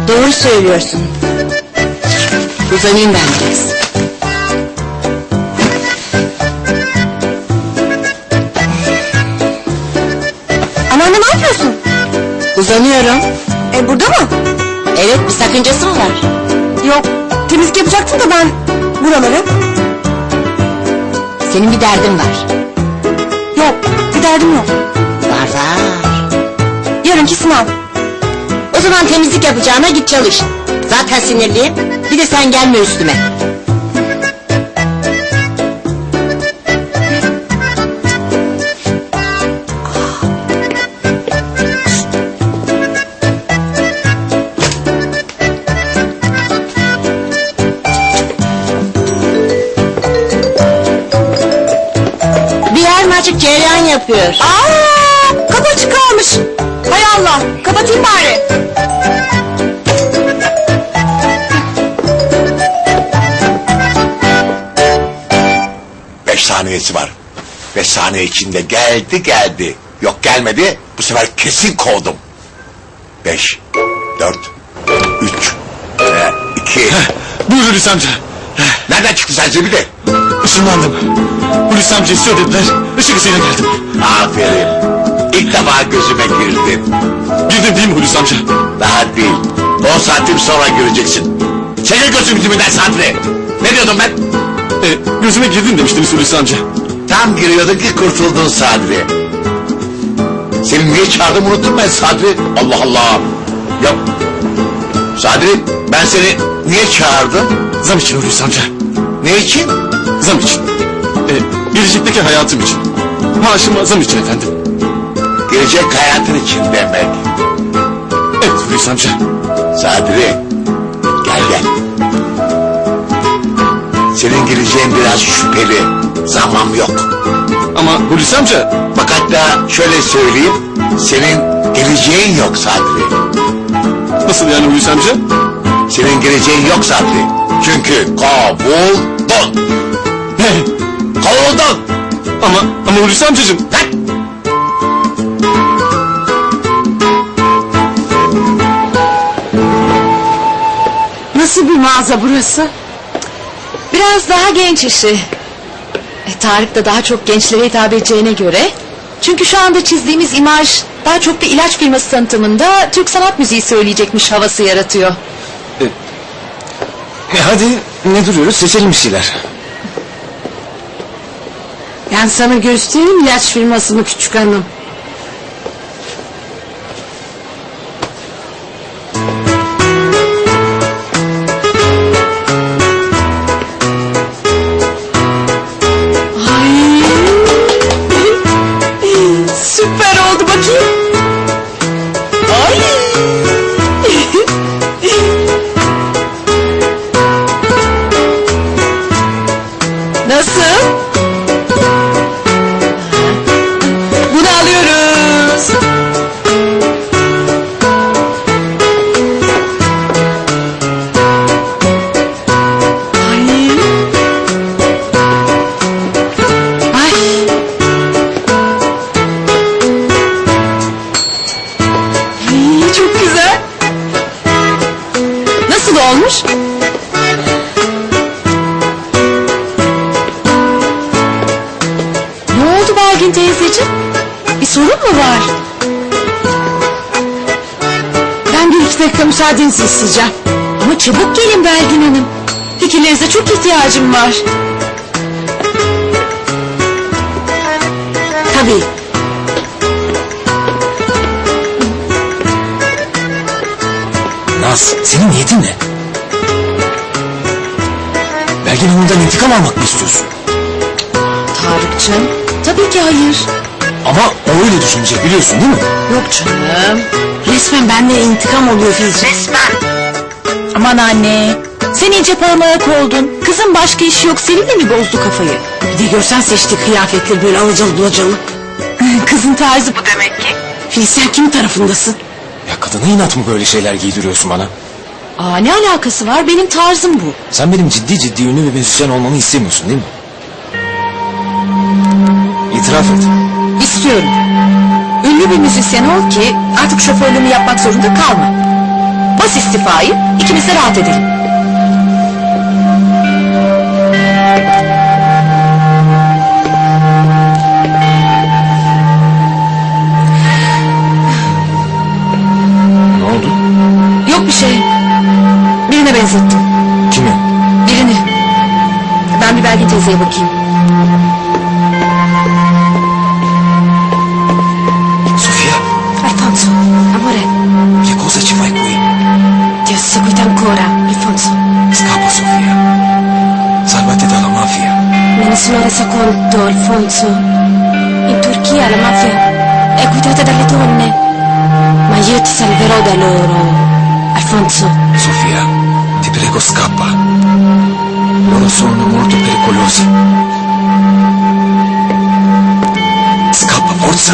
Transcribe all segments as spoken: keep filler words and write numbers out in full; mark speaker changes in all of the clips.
Speaker 1: Doğru söylüyorsun. Uzanayım ben biraz.
Speaker 2: Anneanne ne yapıyorsun?
Speaker 1: Uzanıyorum.
Speaker 2: E burada mı?
Speaker 1: Evet, bir sakıncası mı var?
Speaker 2: Yok, temizlik yapacaktım da ben buraları.
Speaker 1: Senin bir derdin var.
Speaker 2: Yok, bir derdim yok.
Speaker 1: Var var.
Speaker 2: Yarınki sınav.
Speaker 1: O zaman temizlik yapacağına git çalış. Zaten sinirliyim. Bir de sen gelme üstüme. Bir yer mi açık, cereyan yapıyor.
Speaker 2: Aa, kapı açık kalmış. Hay Allah, kapatayım bari.
Speaker 3: Beş saniyesi var. Beş saniye içinde geldi geldi. Yok gelmedi, bu sefer kesin kovdum. Beş, dört, üç, e, iki...
Speaker 4: Buyur Hulusi amca.
Speaker 3: Nereden çıktı sen zibidi?
Speaker 4: Işınlandım. Hulusi amca istiyor dediler. Işık hızıyla geldim.
Speaker 3: Aferin. İlk defa gözüme girdin.
Speaker 4: Girdin değil mi Hulusi amca?
Speaker 3: Daha değil. On santim sonra göreceksin. Çekil gözüm dibinden Sadri. Ne diyordum ben?
Speaker 4: E, gözüme girdin demiştiniz Hulusi amca.
Speaker 3: Tam giriyordun ki kurtuldun Sadri. Seni niye çağırdım unuttum ben Sadri. Allah Allah. Ya Sadri, ben seni niye çağırdım?
Speaker 4: Zam için Hulusi amca.
Speaker 3: Ne için?
Speaker 4: Zam için. E, gelecekteki hayatım için. Maaşıma zam için efendim.
Speaker 3: Gelecek hayatın için demek.
Speaker 4: Evet Hulusi amca.
Speaker 3: Sadri, gel gel. Senin geleceğin biraz şüpheli. Zamam yok.
Speaker 4: Ama Hulusi amca.
Speaker 3: Bak hatta şöyle söyleyeyim. Senin geleceğin yok Sadri.
Speaker 4: Nasıl yani Hulusi amca?
Speaker 3: Senin geleceğin yok Sadri. Çünkü kovuldun.
Speaker 4: Ne?
Speaker 3: Kovuldun.
Speaker 4: Ama, ama Hulusi amcacığım.
Speaker 3: Lan!
Speaker 1: Nasıl bir mağaza burası?
Speaker 2: Biraz daha genç işi. E, Tarık da daha çok gençlere hitap edeceğine göre. Çünkü şu anda çizdiğimiz imaj daha çok bir ilaç firması tanıtımında Türk sanat müziği söyleyecekmiş havası yaratıyor.
Speaker 4: E, hadi ne duruyoruz, seçelim bir şeyler.
Speaker 1: Ben sana göstereyim ilaç firmasını küçük hanım.
Speaker 2: Süper oldu bakayım. Ay. Nasıl? Bunu alıyoruz. Ay. Ay. Ay, çok güzel. Nasıl olmuş? Ne oldu Belgin teyzeciğim? Bir sorun mu var?
Speaker 1: Ben bir iki dakika müsaadenizi isteyeceğim.
Speaker 2: Ama çabuk gelin Belgin Hanım. Fikirlerinize çok ihtiyacım var.
Speaker 1: Tabii.
Speaker 4: Naz, senin niyetin ne? Belgin Hanım'dan intikam almak mı istiyorsun?
Speaker 2: Tarık'cığım, tabii ki hayır.
Speaker 4: Ama o öyle düşünecek biliyorsun değil mi?
Speaker 2: Yok canım.
Speaker 1: Resmen benden intikam oluyor Filizciğim.
Speaker 2: Aman anne, sen iyice parmayak oldun. Kızın başka işi yok, seninle mi bozdu kafayı?
Speaker 1: Bir de görsen seçtiği kıyafetleri böyle alacalı bulacalı.
Speaker 2: Kızın tarzı bu demek ki.
Speaker 1: Filiz sen kimin tarafındasın?
Speaker 4: Ya kadına inat mı böyle şeyler giydiriyorsun bana?
Speaker 2: Aa, ne alakası var, benim tarzım bu.
Speaker 4: Sen benim ciddi ciddi ünlü bir müzisyen olmamı istemiyorsun değil mi? İtiraf et.
Speaker 2: İstiyorum. Ünlü bir müzisyen ol ki artık şoförlüğümü yapmak zorunda kalma. Bas istiyorum. istifayı, ikimiz de rahat edelim.
Speaker 4: Ne oldu?
Speaker 2: Yok bir şey. Birine benzettim.
Speaker 4: Kimi?
Speaker 2: Birini. Ben bir Belgin teyzeye bakayım.
Speaker 5: Sofia,
Speaker 1: Alfonso, amore,
Speaker 5: che cosa ci fai qui?
Speaker 1: ti ho seguito ancora, Alfonso.
Speaker 5: Scappa, Sofia. Salvati dalla mafia.
Speaker 1: Me ne sono resa conto, Alfonso. In Turchia la mafia è guidata dalle donne. Ma io ti salverò da loro, Alfonso.
Speaker 5: Sofia, ti prego, scappa. Loro sono molto pericolosi. Scappa, forza.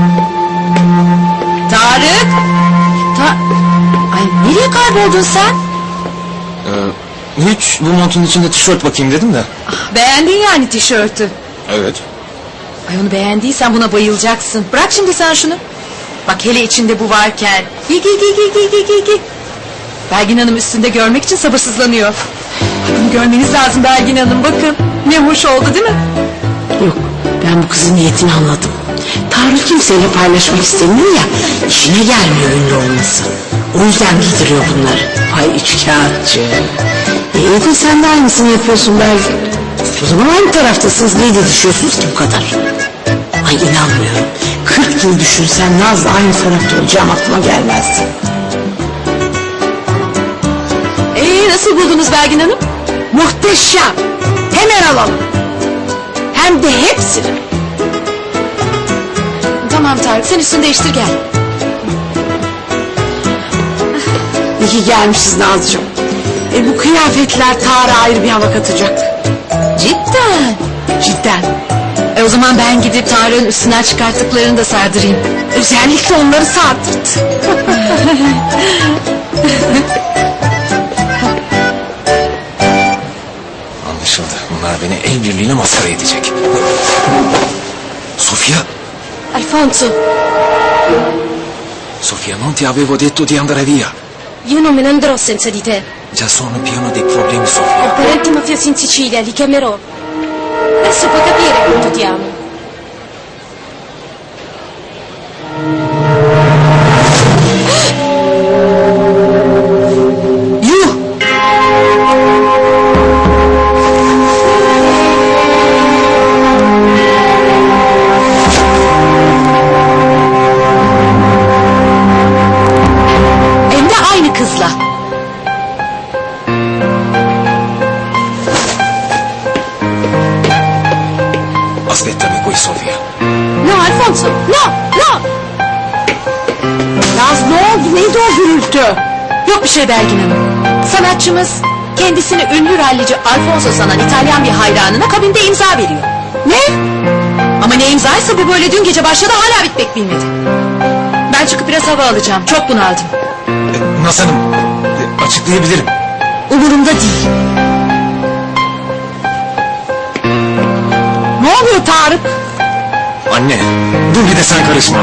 Speaker 2: Tarık! Ta Ay nereye kayboldun sen?
Speaker 4: Ee, hiç bu montun içinde tişört bakayım dedim de.
Speaker 2: Beğendin yani tişörtü.
Speaker 4: Evet.
Speaker 2: Ay onu beğendiysen buna bayılacaksın. Bırak şimdi sen şunu. Bak hele içinde bu varken. Giy giy giy giy giy giy giy giy. Belgin Hanım üstünde görmek için sabırsızlanıyor. Bunu görmeniz lazım Belgin Hanım, bakın. Ne hoş oldu değil mi?
Speaker 1: Yok, ben bu kızın niyetini anladım. Tarık kimseyle paylaşmak istemiyor ya, işine gelmiyor ünlü olması. O yüzden giydiriyor bunları. Ay üçkağıtçı. E, iyi de sen de aynısını yapıyorsun Belgin. O zaman aynı taraftasınız, niye didişiyorsunuz ki bu kadar? Ay inanmıyorum. Kırk yıl düşünsen Naz'la aynı tarafta olacağım aklıma gelmezdi.
Speaker 2: Ee, nasıl buldunuz Belgin Hanım?
Speaker 1: Muhteşem. Hemen alalım. Hem de hepsini.
Speaker 2: Tamam Tarık, sen üstünü değiştir gel.
Speaker 1: İyi ki gelmişiz Nazcığım. E, bu kıyafetler Tarık'a ayrı bir hava katacak.
Speaker 2: Cidden.
Speaker 1: Cidden.
Speaker 2: E o zaman ben gidip Tarık'ın üstünden çıkarttıklarını da sardırayım.
Speaker 1: Özellikle onları sardırt.
Speaker 5: Anlaşıldı. Bunlar beni el birliğiyle maskara edecek. Sofia,
Speaker 1: Alfonso,
Speaker 5: Sofia, non ti avevo detto di andare via.
Speaker 6: Io non me ne andrò senza di te.
Speaker 5: Già sono pieno di problemi,
Speaker 6: Ho
Speaker 5: Sofia.
Speaker 6: parenti mafiosi in Sicilia, li chiamerò. Adesso puoi capire quanto ti amo.
Speaker 1: yuh!
Speaker 2: Hem de aynı kızla.
Speaker 5: Aspettami qui, Sofia.
Speaker 1: No Alfonso, no, no! Naz ne oldu, neydi o gürültü?
Speaker 2: Yok bir şey Belgin Hanım. Sanatçımız kendisini ünlü rallici Alfonso sanan İtalyan bir hayranına kabinde imza veriyor.
Speaker 1: Ne?
Speaker 2: Ama ne imzaysa bu böyle dün gece başladı, hala bitmek bilmedi. Ben çıkıp biraz hava alacağım. Çok bunaldım.
Speaker 5: E, Naz Hanım, e, açıklayabilirim.
Speaker 2: Umurumda değil.
Speaker 1: Ne oluyor Tarık?
Speaker 5: Anne, dur bir de sen karışma.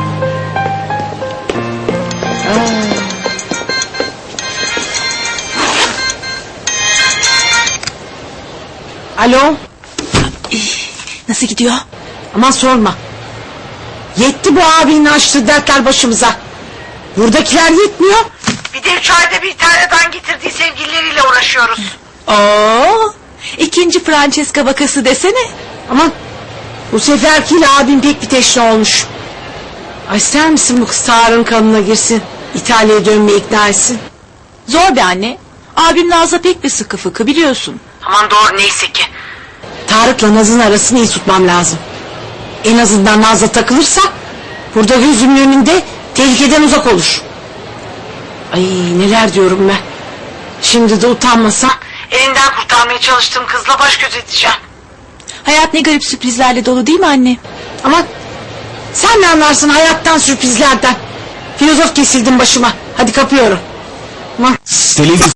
Speaker 1: Alo?
Speaker 2: Nasıl gidiyor?
Speaker 1: Aman sorma. Yetti bu abinin açtığı dertler başımıza. Buradakiler yetmiyor. Bir de üç ayda bir İtalya'dan getirdiği sevgilileriyle uğraşıyoruz.
Speaker 2: Oo, ikinci Francesca vakası desene.
Speaker 1: Aman bu seferkiyle abim pek bir teşne olmuş. Ay ister misin bu kız Tarık'ın kanına girsin? İtalya'ya dönmeye ikna etsin.
Speaker 2: Zor be anne. Abim Naz'la pek bir sıkı fıkı biliyorsun.
Speaker 1: Aman doğru neyse ki. Tarık'la Naz'ın arasını iyi tutmam lazım. En azından Naz'la takılırsa burada gözümün önünde tehlikeden uzak olur. Ay neler diyorum ben. Şimdi de utanmasam elinden kurtarmaya çalıştığım kızla baş göz edeceğim.
Speaker 2: Hayat ne garip sürprizlerle dolu değil mi anne?
Speaker 1: Aman sen ne anlarsın hayattan, sürprizlerden. Filozof kesildin başıma. Hadi kapıyorum. Aman.
Speaker 4: Televizyon